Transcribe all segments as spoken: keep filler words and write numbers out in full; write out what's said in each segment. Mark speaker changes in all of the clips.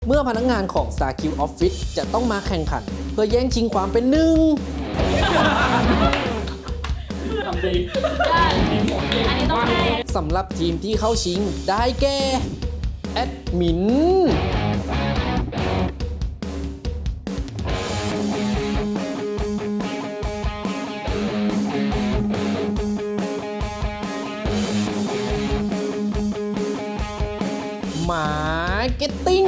Speaker 1: เมื่อพนักงานของ StarQ Office จะต้องมาแข่งขัน เพื่อแย่งชิงความเป็นหนึ่ง
Speaker 2: ทำดีได้อันนี้ต้องให้
Speaker 1: สำหรับทีมที่เข้าชิงได้แก่แอดมินมาร์เก็ตติ้ง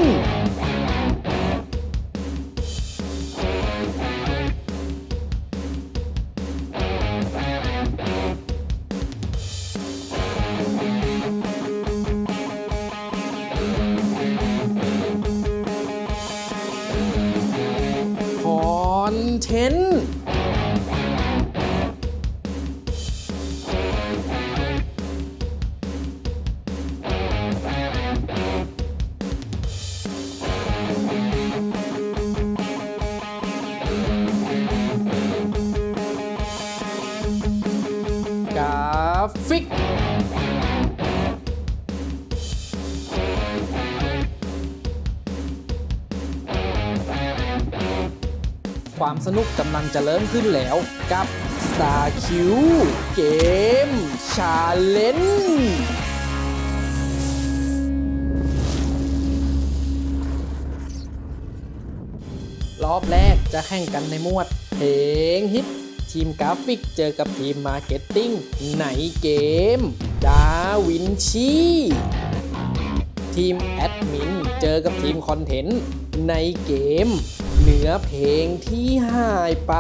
Speaker 1: คอนเทนต์กราฟิกความสนุกกำลังจะเริ่มขึ้นแล้วกับ StarQ Game Challenge รอบแรกจะแข่งกันในหมวดเพลงฮิตทีมกราฟิกเจอกับทีมมาร์เก็ตติ้งในเกมดาวินชีทีมแอดมินเจอกับทีมคอนเทนต์ในเกมเนื้อเพลงที่หายไป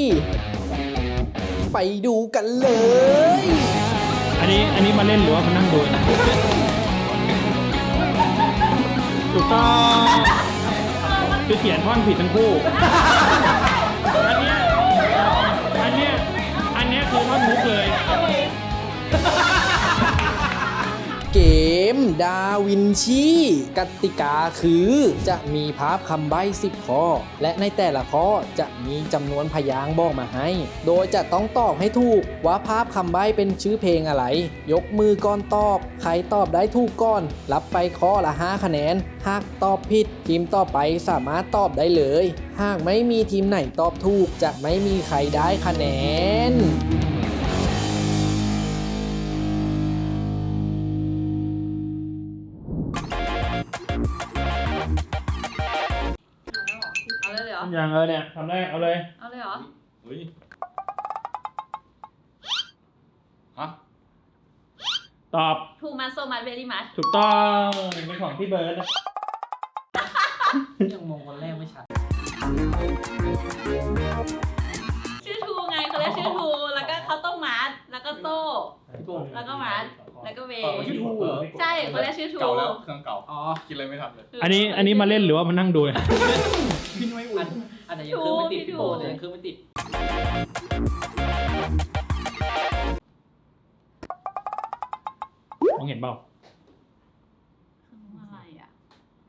Speaker 1: ไปดูกันเลย
Speaker 3: อันนี้อันนี้มาเล่นหรือว่ามานั่งดูถูกต้องคือเขียนท่อนผิดทั้งคู่อันเนี้ยอันเนี้ยอันเนี้ยคือท่อนมุกเลย
Speaker 1: เกมดาวินชีกติกาคือจะมีภาพคำใบ้สิบข้อและในแต่ละข้อจะมีจำนวนพยางค์บอกมาให้โดยจะต้องตอบให้ถูกว่าภาพคำใบ้เป็นชื่อเพลงอะไรยกมือก่อนตอบใครตอบได้ถูกก่อนรับไปข้อละห้าคะแนนหากตอบผิดทีมต่อไปสามารถตอบได้เลยหากไม่มีทีมไหนตอบถูกจะไม่มีใครได้คะแนน
Speaker 2: เอาเลยเหรอ
Speaker 3: อย่างเออเนี่ยทำได้เอาเลย
Speaker 2: เอาเลยเหรอ
Speaker 4: เฮ้ยฮะ
Speaker 3: ตอบ
Speaker 2: Too much so much very much
Speaker 3: ถูกต้องเป็นของพี่เบิร์ดนะ
Speaker 1: ยังมองคนแรกไม่ชัด
Speaker 2: ชื่อทูไงเขาเรียกชื่อทูแล้วก็เขาต้องมัดแล้วก็โซ่แล้วก็มัดแล้วก็เว
Speaker 4: ชื่อทู
Speaker 2: ใช่เขาเรียกชื่อทู
Speaker 4: เก่าแล้วเครื่องเก่าอ๋อคิดอะไรไม่ทันเลย
Speaker 3: อันนี้อันนี้มาเล่นหรือว่ามานั่งดู
Speaker 1: พี่ไม่อุ่นอันไหนยังเครื่องไม่ติดพี่โบแต่ยังเครื่องไม่ติด
Speaker 3: มองเห็นเปล่า
Speaker 2: อะไรอ่ะ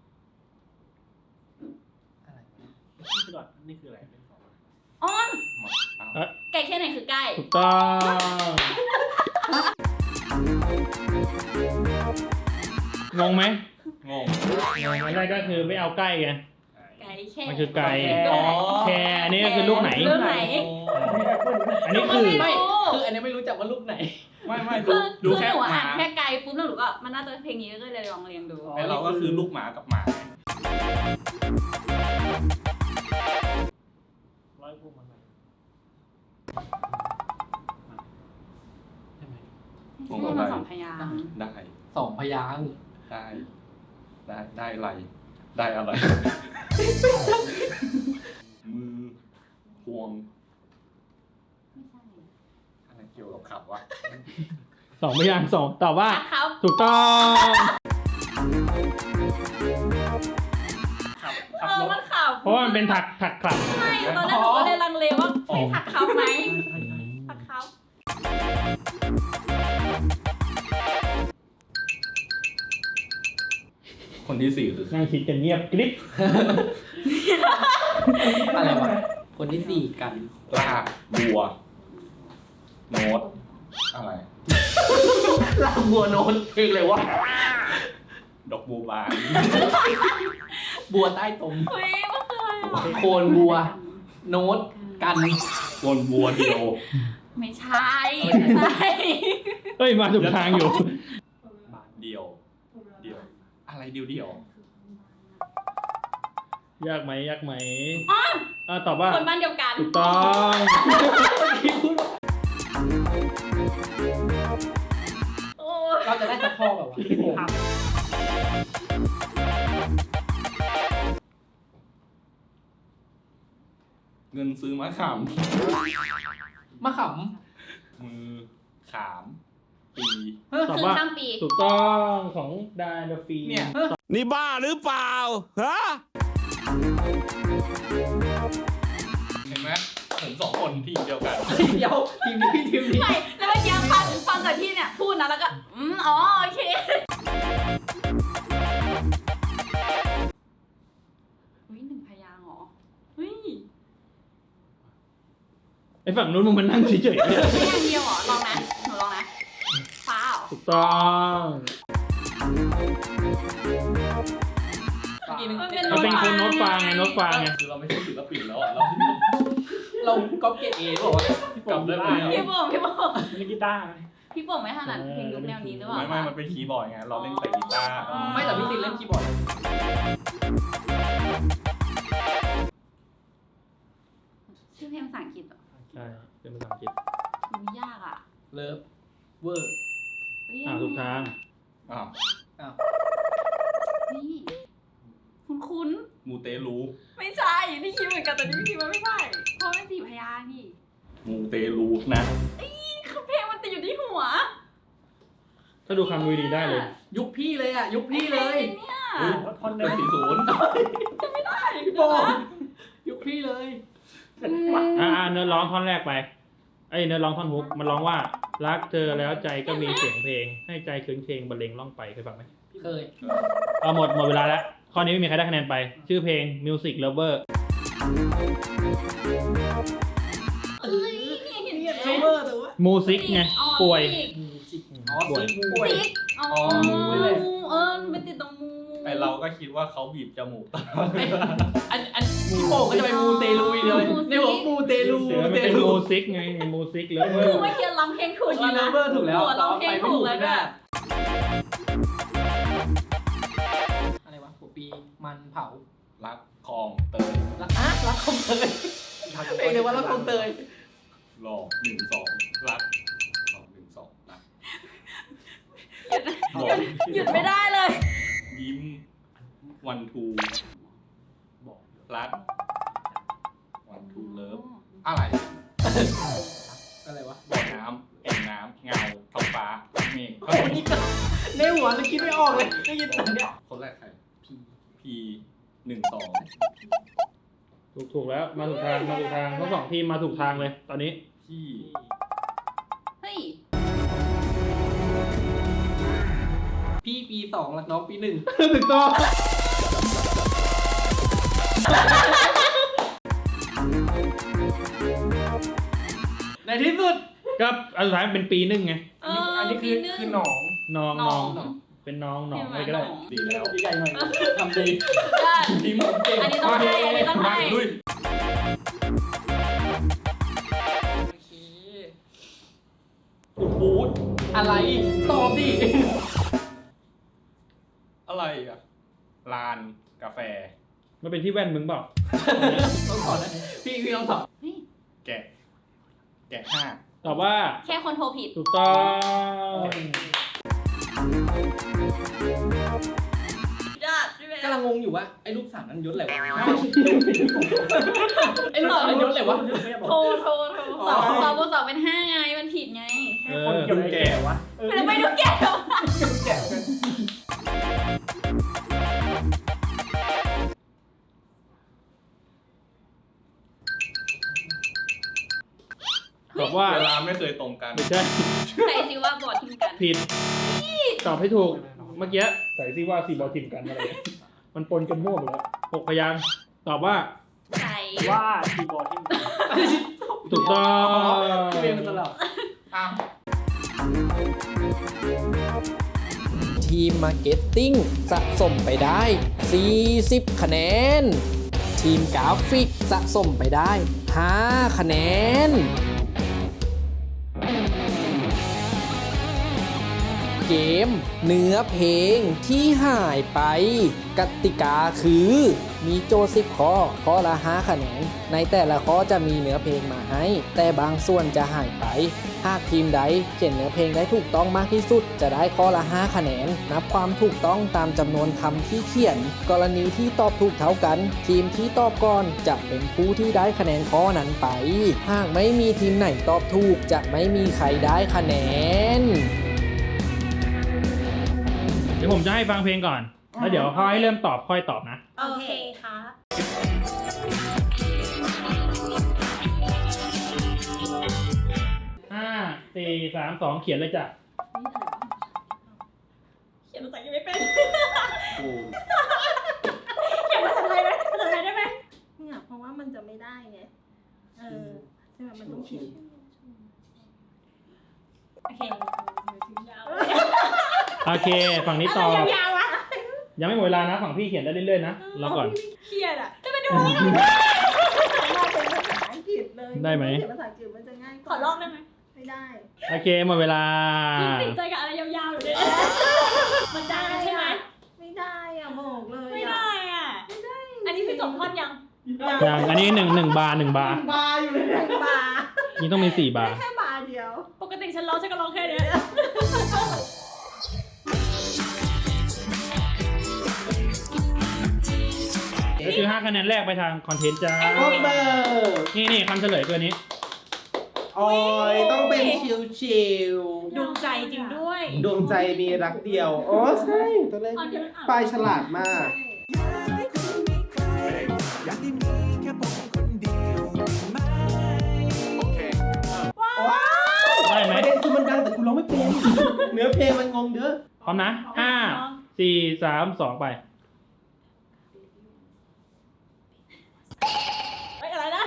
Speaker 1: อะไร
Speaker 3: นี่คือนี่คืออะไร
Speaker 2: อ้อนไก่แค่ไหนคือไก่
Speaker 3: ถูกต้องงงไหม
Speaker 4: งง
Speaker 3: งงอันแรกก็คือไม่เอาใกล้ไง
Speaker 2: ไก่แค่
Speaker 3: มันคือไก่แคร์อันนี้ก็คือลูกไหน
Speaker 2: ลูกไหน
Speaker 3: อันนี้คือ
Speaker 1: ไม่คืออันนี้ไม่รู้จักว่าลูกไหน
Speaker 4: ไม่ไม่
Speaker 2: คือคือหนูอ่านแค่ไก่ปุ๊บแล้วหนูก็มันน่าจะเพลงนี้ก็เลยลองเรียงดู
Speaker 4: ไอเราก็คือลูกหมากับหมา
Speaker 3: ร้อยพวกมันไหม
Speaker 4: งงอะไร
Speaker 2: สองพยางค์
Speaker 4: ได้
Speaker 1: สองพยางค์
Speaker 4: ได้ได้ได้อะไรได้อะไรมือพวงอะไรเกี่ยวกับขับวะ
Speaker 3: สองพยางค์สองตอบว่าถูกต้อง
Speaker 4: ขับ
Speaker 2: เออมันขับ
Speaker 3: เพราะว่ามันเป็นถักถักขับ
Speaker 2: ใช่ตอนแรกหนูก็เลยลังเลว่าใช่ถักเขาไหมถักเขา
Speaker 4: คนที่สี่คือ
Speaker 3: นั่งคิดกันเงียบกริ๊บ
Speaker 1: อะไรวะคนที่สี่กัน
Speaker 4: ลาบัวโน้ตอะไร
Speaker 1: ลาบัวโน้ตเพลงเลยวะ
Speaker 4: ดอกบัวบาน
Speaker 1: บัวใต้ตม
Speaker 2: เฮ้ยมันคืออะไรอ่ะ
Speaker 1: โคนบัว โน้ตกัน
Speaker 4: วนบัวเดียว
Speaker 2: ไม่ใช่ไม่ใช่
Speaker 3: เฮ้ยมาถูกทางอยู่
Speaker 4: เดียว เดียว อะไรเดียวเดียวย
Speaker 3: ากไหมยากไหม
Speaker 2: อ๋อ
Speaker 3: อ่าตอบว่า
Speaker 2: คนบ้านเดียวกัน
Speaker 3: ถูกต้อง
Speaker 2: โอ้
Speaker 1: เราจะได้ตะข้อแบบว่า
Speaker 4: เงินซื้อมะขาม
Speaker 1: มะข
Speaker 4: มือขามปี
Speaker 3: ตอบ
Speaker 2: คืน
Speaker 3: ว่า
Speaker 2: ข้ามปี
Speaker 3: ถูกต้องของดานดาฟี
Speaker 4: เนี่ย
Speaker 5: นี่บ้าหรือเปล่า ฮะ
Speaker 4: เห็นไหมผมสองคนทีมเดียวกัน
Speaker 1: ำเดี๋ยวทีมนี้ทีมนี้
Speaker 2: ไม่แล้วเมื่อกี้ฟังฟังจากที่เนี่ยพูดนะแล้วก็อืมอ๋อโอเคอุ้ยหนึ่งพยางค์เหรอเฮ้ย
Speaker 3: ไอ้ฝั่งนู้นมึงมันนั่งเฉยๆเนี่ย
Speaker 2: พยางค์เดียวเหรอลองนะหนูลองนะฟ้าเหรอ
Speaker 3: ถูกต้อง
Speaker 2: มันเป็น
Speaker 3: มันเป็นคนโน้ตฟางไงโน้ตฟางไง
Speaker 4: คือเราไม่ใช่ศิลปินแล้วอ่ะ เรา
Speaker 1: เราก๊อปเกตเอบอกว่า
Speaker 4: กลับได้ไหม
Speaker 2: พี่โป่งพี่โป่ง
Speaker 3: เล่นกีตาร์ไหม
Speaker 2: พี่โป่งไม่ถนัดเพลงยุคแนวนี้หรือเปล่า
Speaker 4: ไม่ไม่มันเป็นคีย์บอร์ดไง เราเล่นแต่กีตาร์
Speaker 1: ไม่แต่พี่ตินเล่นคีย์บอร์ด
Speaker 2: ชื่อเพลงภาษาอังกฤษเหรอ
Speaker 3: ใช่เป็นภาษาอังกฤษ
Speaker 2: มันยากอ่ะ
Speaker 1: เลิฟเวอร์
Speaker 2: เฮ้ย
Speaker 3: อ่าถูกทาง
Speaker 4: อ้าว
Speaker 1: อ้าว
Speaker 2: นี่คุ้นคุ้น
Speaker 4: มูเตลู
Speaker 2: ๆไม่ใช่นี่คิดเหมือนกันแต่นี่คิดว่าไม่ใช่เพราะมันสี่พยางค์นี่
Speaker 4: มูเตลูนะ
Speaker 2: คือเพลงมันติดอยู่ที่หัว
Speaker 3: ถ้าดูคำดูดีได้เลย
Speaker 1: ยุคพี่เลยอ่ะ ยุคพี่เลย
Speaker 2: เนี่ย
Speaker 4: เฮ้ยเป็นสี่ศูนย์
Speaker 1: พี่โป่งยุคพี่เลย
Speaker 3: อ่าเนื้อร้องท่อนแรกไปไอ้เนื้อร้องท่อนฮุกมันร้องว่ารักเธอแล้วใจก็มีเสียงเพลง ให้ใจคืนเพลงบรรเลงล่องไปเคยฟังไหม
Speaker 1: เคย
Speaker 3: เอาหมดหมดเวลาแล้วข้อนี้ไม่มีใครได้คะแนนไป ชื่อเพลง Music Lover
Speaker 2: เอ้ยนี่เห็นไหม
Speaker 1: เซเวอร์แต่ว่า
Speaker 3: มูซิกไง
Speaker 2: อ๋อ
Speaker 3: ป่วย
Speaker 2: ซิก
Speaker 1: อ๋อซิกป่วย
Speaker 2: ซิกอ๋อ
Speaker 1: อ๋อนี่แหละ
Speaker 2: เออมันไปติดตรงมู
Speaker 4: ไอเราก็คิดว่าเขาบีบจมูกตลอดเวลา
Speaker 1: อันอันพี่โป่งก็จะไปมูเตลูอีกเลยในหัวมูเตลู
Speaker 3: เสือ
Speaker 1: มู
Speaker 3: มัน
Speaker 1: เต
Speaker 3: เป็น
Speaker 1: ลู
Speaker 3: มูซิกไงมูซิกเล
Speaker 2: คือ
Speaker 3: เวอร์
Speaker 2: เมื่อกี้ร้องเพลงถูก
Speaker 1: คีย์เลเวอร์ถูกแล้ว
Speaker 2: หัวร้องเพลงถูกแล้วด้วย
Speaker 1: อะไรวะหัวปีมันเผา
Speaker 4: รักคลองเตย
Speaker 1: รักอ่ะรักคงเตยเพลงเลยว่ารักคงเตย
Speaker 4: หลอกหนึ่งสองรักหลอกหนึ่งสองรัก
Speaker 2: หยุดหยุดไม่ได้เลย
Speaker 4: ยิ้มวันทูบอกรักวันทูเลิฟอะไร
Speaker 1: อะไรวะ
Speaker 4: บ่อน้ำแอ่งน้ำเงาท้องฟ้าเมฆ
Speaker 1: โอ้นี่ก็ในหัวมันคิดไม่ออกเลยได้ยินแต่เนี้ย
Speaker 4: คนแรกใครพีพีหนึ่งสอง
Speaker 3: ถูกถูกแล้วมาถูกทางมาถูกทางทั้งสองทีมมาถูกทางเลยตอนนี้
Speaker 4: พี่
Speaker 2: เฮ้ย
Speaker 1: พี่ปีสองแล้วน้องปีหนึ่ง
Speaker 3: ถูกต้อง
Speaker 1: ในที่สุด
Speaker 3: ก็อันสุดท้ายเป็นปีหนึ่งไง
Speaker 2: เออ
Speaker 1: อันนี้คือ
Speaker 2: ปีหนึ่ง
Speaker 1: คือหนอง
Speaker 3: น้อง
Speaker 2: น้
Speaker 3: น้
Speaker 2: อ
Speaker 3: อง งเป็นน้องหนองอะไรก็ได้
Speaker 4: ดีแล้ว
Speaker 1: ใหญ่หน่อยทำดี
Speaker 2: ได้
Speaker 1: ทีมผมเก่ง
Speaker 2: อันนี้ต้องให้อันนี้ต้องให้
Speaker 4: ลุย
Speaker 1: โอเค
Speaker 4: โอ้โห
Speaker 1: อะไรตอบดิ
Speaker 4: อะไรอ่ะลานกาแฟ
Speaker 3: มันเป็นที่แว่นมึงเปล่า
Speaker 1: ต้องตอบนะพี่พี่ต้องตอบ
Speaker 2: เฮ้ย
Speaker 4: แกะ แกะห้า
Speaker 3: ตอบว่า
Speaker 2: แค่คนโทรผิด
Speaker 3: ถูกต้อง
Speaker 2: ยอดใช่ไหม
Speaker 1: กำลังงงอยู่ว่าไอ้ลูกสามนั้นยศอะไรวะไอ้ลูกสามนั้นยศอะไรวะ
Speaker 2: โทรโทรโทรสองสองบวกสองเป็นห้าไงมันผิดไง
Speaker 3: เออ
Speaker 4: คนแก่วะ
Speaker 2: มันไม่ดูแก่วะ
Speaker 3: ตอบว่า
Speaker 4: เวลาไม่เคยตรงกัน
Speaker 3: ไม่ใช่
Speaker 2: ใส่ซิว่าบอดทิ้งกัน
Speaker 3: ผิดตอบให้ถูกเมื่อกี้ใส่ซิว่าสี่บอลทีมกันอะไรมันปนกันมั่วหมดแล้วหกพยางค์ตอบว่า
Speaker 2: ใส่
Speaker 6: ว่าคีย์บอร์ดที่
Speaker 3: ถูกต้อง
Speaker 1: พี่เรียนมาตลอด
Speaker 4: อ้าว
Speaker 1: ทีทีมมาร์เก็ตติ้งสะสมไปได้ สี่สิบ คะแนน ทีมกราฟิกสะสมไปได้ ห้า คะแนน เกมเนื้อเพลงที่หายไป กติกาคือมีโจทย์สิบข้อข้อละห้าคะแนนในแต่ละข้อจะมีเนื้อเพลงมาให้แต่บางส่วนจะหายไปหากทีมใดเขียนเนื้อเพลงได้ถูกต้องมากที่สุดจะได้ข้อละห้าคะแนนนับความถูกต้องตามจำนวนคำที่เขียนกรณีที่ตอบถูกเท่ากันทีมที่ตอบก่อนจะเป็นผู้ที่ได้คะแนนข้อนั้นไปหากไม่มีทีมไหนตอบถูกจะไม่มีใครได้คะแนน
Speaker 3: เดี๋ยวผมจะให้ฟังเพลงก่อน แล้วเดี๋ยวพอให้เริ่มตอบค่อยตอบนะ
Speaker 2: โอเคค่ะ
Speaker 3: ห้า สี่ สาม สอง เขียนเลยจ้ะ
Speaker 2: เขียนภาษาอังกฤษไม่เป็น เขียนภาษาไทยไหมภาษาไทยได้ไหม
Speaker 6: เนี่ยเพราะว่ามันจะไม่ได้ไง เออใช่ไหมมันต้องเขียน
Speaker 2: โอเคยาว
Speaker 3: โอเค ฝั่งนี้ตอบ
Speaker 2: ยาวๆอะ
Speaker 3: ยังไม่หมดเวลานะ ฝั่งพี่เขียนได้เรื่อยๆนะรอก่อน
Speaker 2: เครียดอะจะไปดูไม่ได้
Speaker 6: มาเป็นภาษาอังกฤษเลย
Speaker 3: ได้ไหม
Speaker 6: เขียนภาษาอังกฤษมันจะง่าย
Speaker 2: ขอลอกได้ไหม
Speaker 6: ไม่ได้
Speaker 3: โอเค หมดเวลา
Speaker 2: จริงติดใจกับอะไรยาวๆอยู่เนี่ยมันได้ใช่ไหม
Speaker 6: ไม่ได้อ่ะบอกเลย
Speaker 2: ไม่
Speaker 6: อ่ะ
Speaker 2: ได้อ่ะอันนี้คือจบท่อนยัง
Speaker 3: อย่างอันนี้หนึ่งหนึ่งบาร์หนึ่งบาร์
Speaker 6: บาร์อยู่เลยบาร์
Speaker 3: นี่ต้องมีสี่บาร์
Speaker 6: แค่บาร์เดียว
Speaker 2: ปกติฉันร้องฉันก็ร้องแค่เนี้ย
Speaker 3: ก็คือห้าคะแนนแรกไปทางคอนเทนต์จ้า
Speaker 7: พบเบอร์
Speaker 3: นี่นี่คำเฉลยตัวนี้
Speaker 7: โอ้ยต้องเป็นชิวชิว
Speaker 2: ดวงใจจริงด้วย
Speaker 7: ๆดวงใจมีรักเดียว โอ้ใช่ตัวเลขปลายฉลาดมาก
Speaker 3: ได้ไหม
Speaker 7: ประเด็นคือมันดังแต่กูร้องไม่เป็น เนื้อเพลงมันงงเด้อ
Speaker 3: พร้อมนะห้า สี่ สาม สองไป
Speaker 2: ไม่อะไรนะ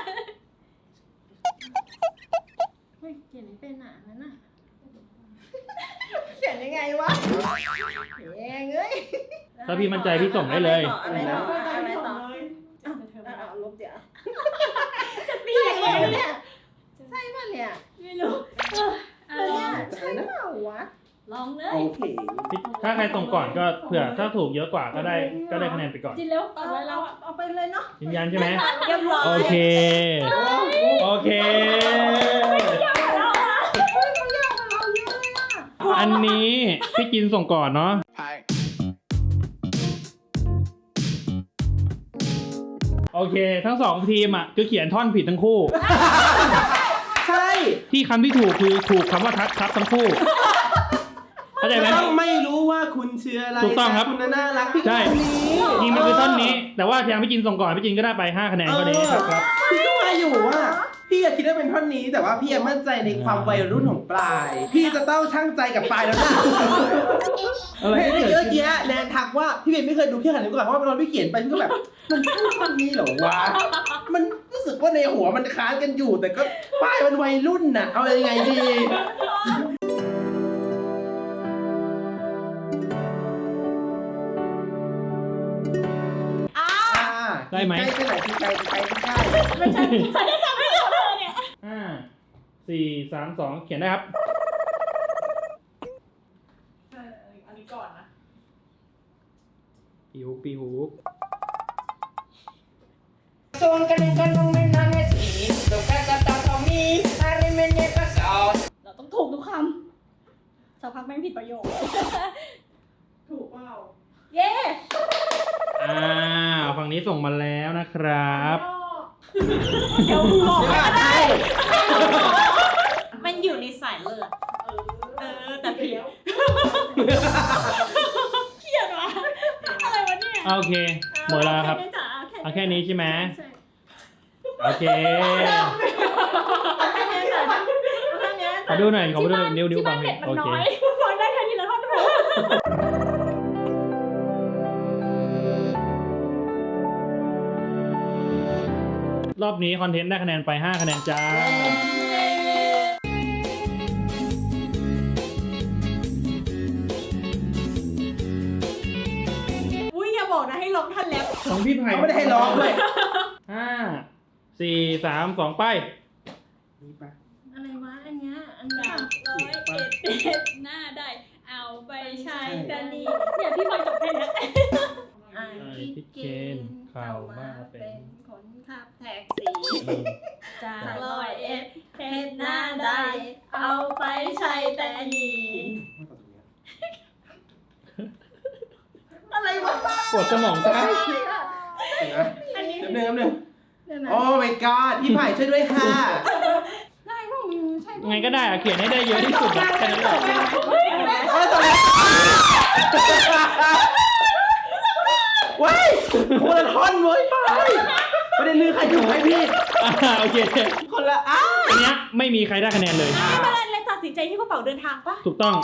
Speaker 6: เฮ้ยเขียนไม่เป็นอ่ะนั่นน่ะเขียนยังไงวะแยงเอ้ย
Speaker 3: ถ้าพี่มั่นใจพี่ส่งได้เลย
Speaker 6: อะไรต่ออะไรต่อ
Speaker 2: เธอเธอ
Speaker 6: เอาเอาลบเดี๋ยว
Speaker 2: จะตี
Speaker 6: ใช่
Speaker 2: ยังไง
Speaker 6: ไหม
Speaker 2: เนี่ย
Speaker 6: เนี่ยใช่ป่ะเนี่ย
Speaker 2: ไม่รู้เออ
Speaker 6: เออเนี่ยใช่เปล่าวะ
Speaker 2: ลองเลย
Speaker 7: โอเค
Speaker 3: ถ้าใครส่งก่อนก็เผื่อถ้าถูกเยอะกว่าก็ได้ก็ได้คะแนนไปก่อน
Speaker 2: จินเร็วต่อ
Speaker 6: เอา
Speaker 2: ไป
Speaker 6: เรา
Speaker 2: เรา
Speaker 6: เอาไปเลยเนาะ
Speaker 3: ยืนยันใช่ไหม
Speaker 2: เรียบร้อย
Speaker 3: โอเค โอเค อันนี้พี่กินส่งก่อนเนาะ โอเค ทั้งสองทีมอ่ะคือเขียนท่อนผิดทั้งคู่
Speaker 7: ใช่
Speaker 3: ที่คำที่ถูกคือถูกคำว่าทักทับทั้งคู่เข้าใจไหม
Speaker 7: ต้องไม่รู้ว่าคุณเชื่ออะไร
Speaker 3: ถูกต้องครับ
Speaker 7: แต่คุณน่ารักพี่
Speaker 3: ใช่
Speaker 7: คนนี้
Speaker 3: จริงมันคือท่อนนี้ แต่ว่าทางพี่จินส่งก่อนพี่จินก็ได้ไปห้าคะแนนก็นี้ครับครับ
Speaker 7: พี่ก็ว่าอยู่ว่าพี่อะคิดว่าเป็นท่อนนี้แต่ว่าพี่ยังมั่นใจในความวัยรุ่นของปลาย พี่จะต้องชั่งใจกับปลายแล้วนะ
Speaker 3: อะไร
Speaker 7: เห็น
Speaker 3: ที่
Speaker 7: เมื่
Speaker 3: เกิ
Speaker 7: อ
Speaker 3: ดขึ้น
Speaker 7: กี้แนนทักว่าพี่เบนไม่เคยดูแค่หันนี้ก่อนเพราะว่าตอนพี่เขียนไปพี่ก็แบบมันใช่ท่อนนี้เหรอวะมันรู้สึกว่าในหัวมันค้านกันอยู่ แต่ก็ป้ายมันวัยรุ่นน่ะเอายังไงดีอ่า
Speaker 3: ได้ไหม
Speaker 7: ใกล้แค่ไหนที่ใกล้ที่ใกล้ที่ใกล้
Speaker 2: ไม่ใช่ฉันจะทำให้เราเลยเนี่ย
Speaker 3: ห้า สี่ สาม สอง เขียนได้ครับ
Speaker 2: อันนี้ก่อนนะ
Speaker 3: ปีฮุกปีฮุก
Speaker 2: เราต้องถูกทุกคำสักพักแม่งผิดประโยค
Speaker 6: ถูกเปล่า
Speaker 2: เย้
Speaker 3: อ่าฝั่งนี้ส่งมาแล้วนะครับ
Speaker 2: เดี๋ยวมึงบอกก็ได้ มันอยู่ในสายเลือด เออ แต่ผิดเขียนวะอะไรวะเนี่ย
Speaker 3: โอเค หมดแล้วครับ เอาแค่นี้ใช่ไหม
Speaker 6: ใช่
Speaker 3: โอเค
Speaker 6: เอาแค่นี้ก่อนเอาแค่นี้
Speaker 3: ขอดูหน่อย ขอดูหน่อยนิ้วนิ้ว
Speaker 2: ที่
Speaker 3: บา
Speaker 2: บ้าง น
Speaker 3: นิ
Speaker 2: เน็
Speaker 3: ด
Speaker 2: ตมั
Speaker 3: โอน
Speaker 2: น้
Speaker 3: เค
Speaker 2: อยฟังได้แค่ทีละท่อนพอ
Speaker 3: รอบนี้คอนเทนต์ได้คะแนนไปห้าคะแนนจ้า
Speaker 6: เร้องท่อนแรป
Speaker 3: ของพี่ไผ่
Speaker 7: เขาไม่ได้ให้ร้องด้วย
Speaker 3: ห้าสี่สามสองไป
Speaker 6: อะไรวะอันเนี้ยอัน
Speaker 2: สา
Speaker 6: เนี้ย
Speaker 2: มร้อยเอ็ดเอ็ดหน้าได้ เอาไปใช้แต่นี่เนี่ยพี่ฟังจบแค่เนี้ย
Speaker 6: อ่า
Speaker 3: ไอ้
Speaker 6: คิด
Speaker 3: พี่
Speaker 6: เก
Speaker 3: เก
Speaker 6: ณ
Speaker 3: ณฑ์
Speaker 6: ฑ์
Speaker 3: เข้า
Speaker 6: เข้า
Speaker 3: มา
Speaker 6: มา
Speaker 3: เป็
Speaker 6: เป็น นคนขับแท็กซี่
Speaker 2: จากร้อยเอ็ดเฮ็ดหน้าได้ เอาไปใช้แต่นี่
Speaker 6: อะไรวะ
Speaker 3: ปวดสมองซ้าย
Speaker 6: อันนี้
Speaker 7: เดี๋ยวหนึ่งเดี๋ยวหนึ่ง
Speaker 6: เดี๋ยวนะ
Speaker 7: โอ้ my god พี่ไผ่ช่วยด้วยค่ะ
Speaker 6: ได้พวกมึงใช่พวก
Speaker 3: ไงก็ได้อะเขียนให้ได้เยอะที่สุดอะแค่นั้นแหละ
Speaker 7: โอ้ยตายว้ายคนละท่อนเว้ยไปประเด็นคือใครถูกให้พี่
Speaker 3: อ่าโอเค
Speaker 7: คนละอ้า
Speaker 3: อันเนี้ยไม่มีใครได้คะแนนเลย
Speaker 6: ไม่เป็นไรเลยตัดสินใจที่กระเป๋าเดินทางปะ
Speaker 3: ถูกต้อง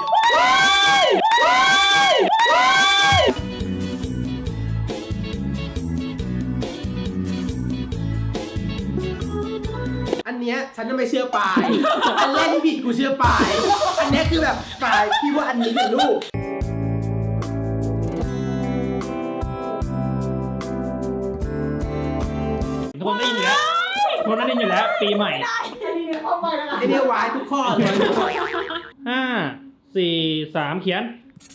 Speaker 7: อันเนี้ยฉันจะไม่เชื่อปาย อันแรกที่ผิดกูเชื่อปาย อันเนี้ยคือแบบปายพี่ว่าอันนี้เป็นลูก
Speaker 3: ทุกคนได้ยินอยู่แล้วทุกคนได้ยินอยู่แล้ว ปีใหม่
Speaker 7: ไอเนี้ยวายทุกข้อเลย
Speaker 3: ห้าสี่สามเขียน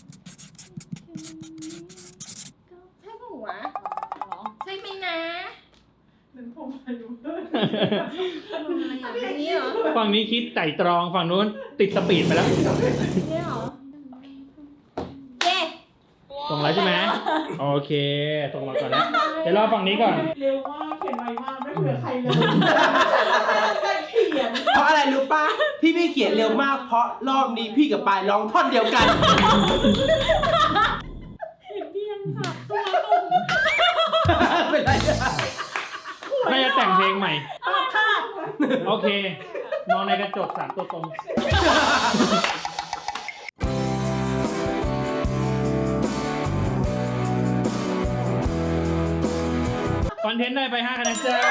Speaker 6: ใช่ปะวะใช่ไหมนะเป็นผมอายุอะไรอย่างนี้เหรอ
Speaker 3: ฝั่งนี้คิดไต่ตรองฝั่งนู้นติดสปีดไปแล้ว
Speaker 6: นี่เหรอเย้
Speaker 3: ส่งแล้วใช่ไหมโอเคส่งมาก่อนนะเดี๋ยวรอฝั่งนี้ก่อน
Speaker 8: เร็วมากเขียนไวมากไม่เผื่อใครเลยเขียน
Speaker 7: เพราะอะไรรู้ป่ะที่พี่เขียนเร็วมากเพราะรอบนี้พี่กับปายร้องท่อนเดียวกัน
Speaker 2: เพียงสับตัว
Speaker 7: เป็นไรอะ
Speaker 3: น่าจะแต่งเพลงใหม่
Speaker 6: ตัดค่ะ
Speaker 3: โอเค มองในกระจกสามตัวตรง คอนเทนต์ได้ไปห้าคะแนนจ้า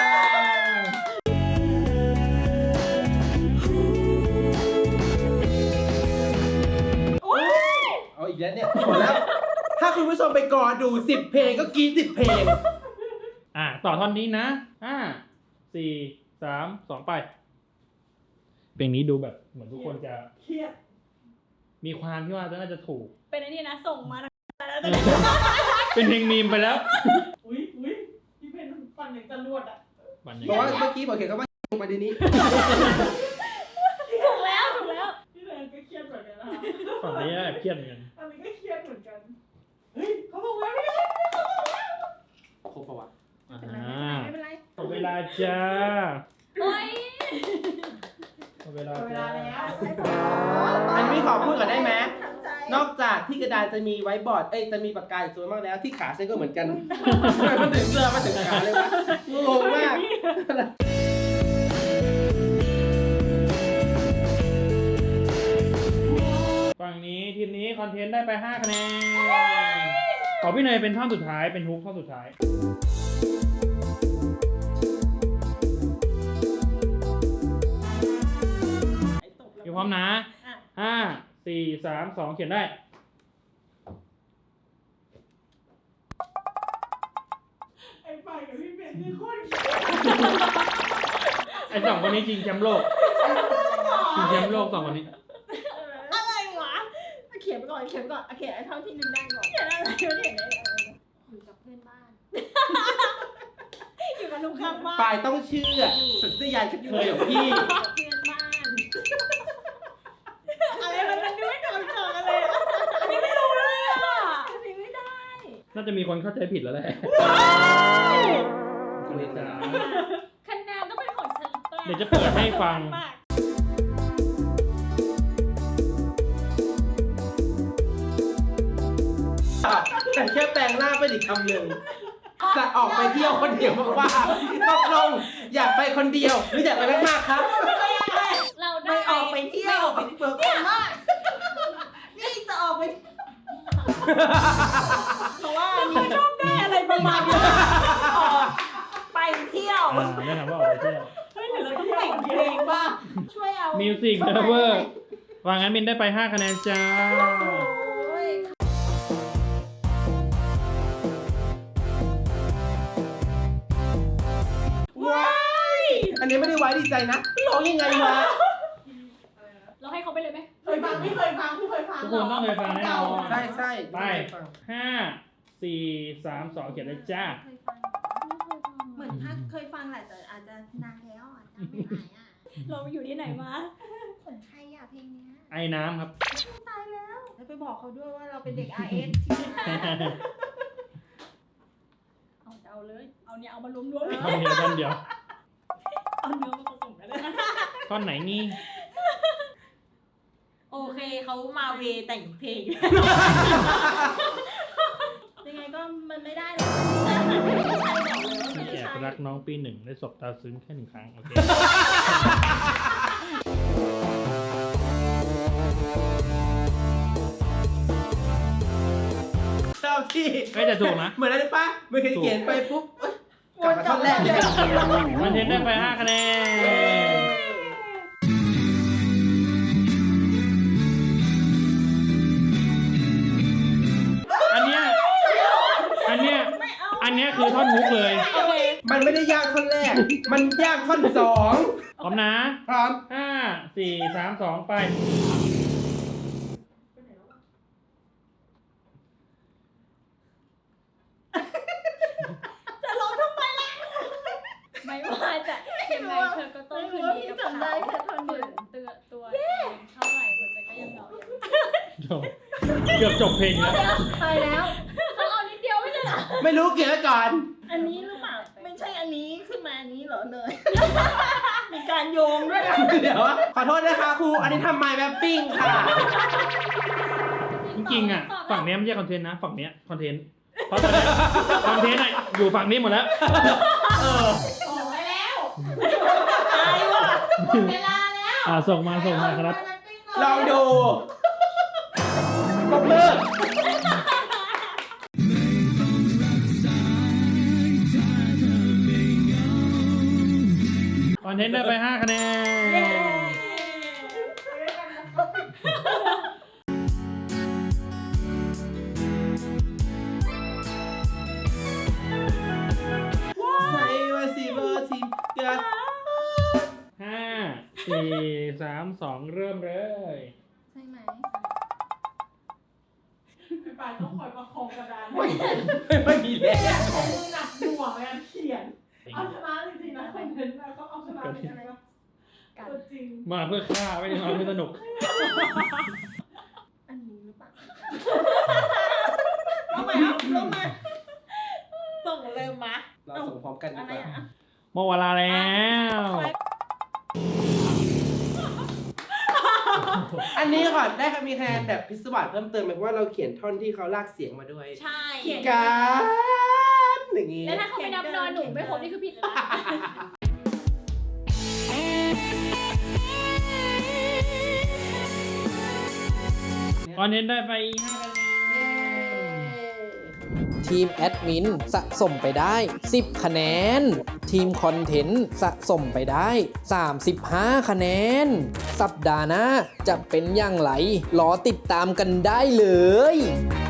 Speaker 7: เอาอีกแล้วเนี่ยหมดแล้ว ถ้าคุณผู้ชมไปกอดูสิบเพลงก็กรีดสิบเพลง
Speaker 3: อ่ะต่อท่อนนี้นะห้าสี่สามสองไป เพลงนี้ดูแบบเหมือนทุกคนจะ
Speaker 8: เครียด
Speaker 3: มีความที่ว่าน่าจะถูก
Speaker 2: เป็นไอ้นี่นะส่งมาแล้ว
Speaker 3: เป็นเพลงมีมไปแล้ว
Speaker 8: อุ้ยอุ้ยพี่เพนฟันอย่างจรวดอ่ะ
Speaker 3: มันยัง
Speaker 7: บอก
Speaker 3: ไง
Speaker 7: ว่าเมื่อกี้บอกเขียนคำว่ามาดีนี้
Speaker 2: ถูกแล้วถูกแล้ว
Speaker 8: พี่แรงก็เครียดเหมือนกันนะ
Speaker 3: ฝั่งนี้แอบเครียดเหมือนกัน
Speaker 8: อันนี้ก็เครียดเหมือนกันเฮ้ยเขาบอกว่าไม่ได้
Speaker 7: ครบปะวะ
Speaker 3: อ่า
Speaker 6: ไม่เป็นไร
Speaker 3: หมดเวลาจ้า
Speaker 2: โอ้ย
Speaker 3: หมดเวลา
Speaker 8: เวลา
Speaker 3: จ้า
Speaker 8: แล้ว
Speaker 7: อันนี้ขอพูดก่อนได้ไหม
Speaker 6: ทำใจ
Speaker 7: นอกจากที่กระดานจะมีไว้บอร์ด เอ้ยจะมีปากกาอีกตัวมากแล้วที่ขาฉันก็เหมือนกันทำไมมันถึงเรือมาถึงขาเลยวะงงมาก
Speaker 3: ฝั่งนี้ทีมนี้คอนเทนต์ได้ไปห้าคะแนนขอพี่เนยเป็นท่อนสุดท้ายเป็นฮุกท่อนสุดท้าย อยู่พร้อมนะห้าสี่สามสองเขียนได้
Speaker 8: ไอ้ไปกับพี่เพนคือโคตรเครียด
Speaker 3: ไอ้สองคนนี้จริงแชมป์โลกจริงแชมป์โลกสองคนนี้
Speaker 6: อะไรวะเขียนไปก่อนเขียนไปก่อนเขียนไอ้เท่าที่นึงได้ก่อนเขียนอะไรเขียนได้อยู่กับเพื่อนบ้าน
Speaker 2: อยู่กับลุงข้างบ้าน
Speaker 7: ปายต้องเชื่อสัญชาตญาณกระเทยของพี่
Speaker 6: อยู่กับเพื่อนบ้าน
Speaker 2: อะไรมันมันดูไม่โดนเจอกันเลยอะอันนี้ไม่รู้เลยอ่ะ
Speaker 6: อันนี้ไม่ได้
Speaker 3: น่าจะมีคนเข้าใจผิดแล้วแหละ
Speaker 2: คะแนนต้องเป็นของฉันป
Speaker 3: เดี๋ยวจะเปิดให้ฟัง
Speaker 7: แต่แค่แปลงหน้าเป็นอีกคำหนึ่งจะออกไปเที่ยวคนเดียวมากๆตกลงอยากไปคนเดียวหรืออยากไปมากๆครับ
Speaker 2: เราได้
Speaker 6: ไม่ออกไปเที่ยวไปเปิดคนมากนี่จะออกไป เพราะว่ามีชอบได้อะไรประมาณนี้ไปเที่ยว
Speaker 3: อ่าแนะนำว่าออกไปเที่ยว
Speaker 2: เฮ้ยเดี๋ยวเราต้องแต่งเพลงบ้าง
Speaker 6: ช่วยเอา
Speaker 3: มิวสิกเลเวอร์ว่างั้นมินได้ไปห้าคะแนนจ้า
Speaker 6: โอ้ย
Speaker 7: อันนี้ไม่ได้ไว้ดีใจนะร้องยังไงวะ
Speaker 2: เราให้เขาไปเลยไหม
Speaker 8: เคยฟังไม่เคยฟังไม่เคยฟัง
Speaker 3: ทุกคนต้องเคยฟังแน่นอน
Speaker 7: ใช่ใช่
Speaker 3: ไปห้าสี่สามสองเขียนเลยจ้า
Speaker 6: เคยฟังเหมือนถ้าเคยฟังแหละแต่อาจจะนานแล้วอ่ะจำไม่ได้อ่ะ
Speaker 2: เราอยู่ที่ไหนมา
Speaker 6: ของใครอ่ะเพลงเนี้ย
Speaker 3: ไอ้น้ำครับ
Speaker 6: ตายแล้วแล้วไปบอกเขาด้วยว่าเราเป็นเด็ก อาร์ เอส ที่นั่นนะ
Speaker 2: เอาจะเอาเลย เอาเนี่ยเอามารวมๆเลย
Speaker 3: ท่อนเดียวท่อนเดียว
Speaker 2: เอาเนื้อมาผสมกันเลย
Speaker 3: ท่อนไหนนี่
Speaker 2: โอเคเขามาเวแต่งเพลง
Speaker 6: ยังไงก็มันไม่ได้หรอก
Speaker 3: พี่แอบรักน้องปีหนึ่งได้สบตาซึ้งแค่หนึ่งครั้ง โอเค
Speaker 7: เจ้าที่
Speaker 3: ไม่แต่ถูกนะ
Speaker 7: เหมือนอะไรปะเมื่อกี้เขียนไปปุ๊บเอ้ยกลับมาท่อนแรกเลย
Speaker 3: มันเทนได้ไปห้าคะแนน อันเนี้ย อันเนี้ย อันเนี้ยคือท่อนฮุกเลย
Speaker 2: โอเค
Speaker 7: มันไม่ได้ยากท่อนแรก มันยากท่อนสอง
Speaker 3: พร้อมนะ
Speaker 7: พร้อม
Speaker 3: ห้าสี่สามสองไป
Speaker 2: จะร้องทำไมล่ะ ไม่ว่าจะยังไงเธอก็ต้องคืนดีกับ
Speaker 6: จำได้
Speaker 2: เขา
Speaker 6: แค่ท่อนเดียว
Speaker 2: เตือนตัวเองเท่าไหร่หัวใจก็ยังเหงายัง
Speaker 3: จบเกือบจบเพลงแล้ว
Speaker 6: ไปแล้ว
Speaker 2: เขาเอานิดเดียวไม่ใช่เหรอ
Speaker 7: ไม่รู้เกี่ยวกับก่อน
Speaker 6: อันนี้หรือเปล่าไม่ใช่อันนี้ขึ้นมาอันนี้เหรอเนย มีการโยงด้วยนะ
Speaker 7: เดี๋ยวขอโทษนะคะครู อันนี้ทำไมแบบปิ้งค่ะ
Speaker 3: จริงๆอ่ะ ฝั่งเนี้ยไม่ใช่คอนเทนต์นะ ฝั่งเนี้ยคอนเทนต์ เพราะตอนเนี้ยคอนเทนต์อ่ะอยู่ฝั่งนี้หมดแล้ว
Speaker 7: เออ
Speaker 8: ออกไปแล้ว
Speaker 6: ตายว่ะหมดเวลาแล้ว
Speaker 3: อ่าส่งมาส่งมาครับ
Speaker 7: ลองดูปรบมือ
Speaker 3: คอนเทนต์ได้ไปห้าคะแนน
Speaker 7: ใส่ว่าสิบอทีกัน
Speaker 3: ห้าสี่สามสองเริ่มเลย
Speaker 6: ใช่ไหม
Speaker 8: ไปไปต้องคอยประคองกระดาน
Speaker 7: ไม่ไม่มีแรง
Speaker 8: มือหนักหน่วงในการเขียน เอาชนะจริงๆนะคอนเทนต์นะเขาเอาชนะจริงๆนะตัวจริง
Speaker 3: มาเพื่อฆ่าไม่ได้มาเพื่อสนุก
Speaker 6: อันนี้หรือเปล่าเอาใหม่เอาลงมา
Speaker 2: ส่งเริ่มมา
Speaker 7: เราส่งพร้อมกันดี
Speaker 6: อะไร
Speaker 7: กว่า
Speaker 6: อ่ะ
Speaker 3: หมดเวลาแล้ว
Speaker 7: อันนี้ก่อนได้ครับมีคะแนนแบบพิศวาสเพิ่มเติมไหมเพราะว่าเราเขียนท่อนที่เขาลากเสียงมาด้วย
Speaker 2: ใช่
Speaker 7: การอย่างงี้
Speaker 2: แล้วถ้าเขาไม่นับนอนหนูไม่ครบนี่คือผิดเลยนะ
Speaker 3: คอนเทนต์ได้ไปห้าคะแนน
Speaker 1: ทีมแอดมินสะสมไปได้ สิบ คะแนน ทีมคอนเทนต์สะสมไปได้ สามสิบห้า คะแนน สัปดาห์หน้าจะเป็นอย่างไร รอติดตามกันได้เลย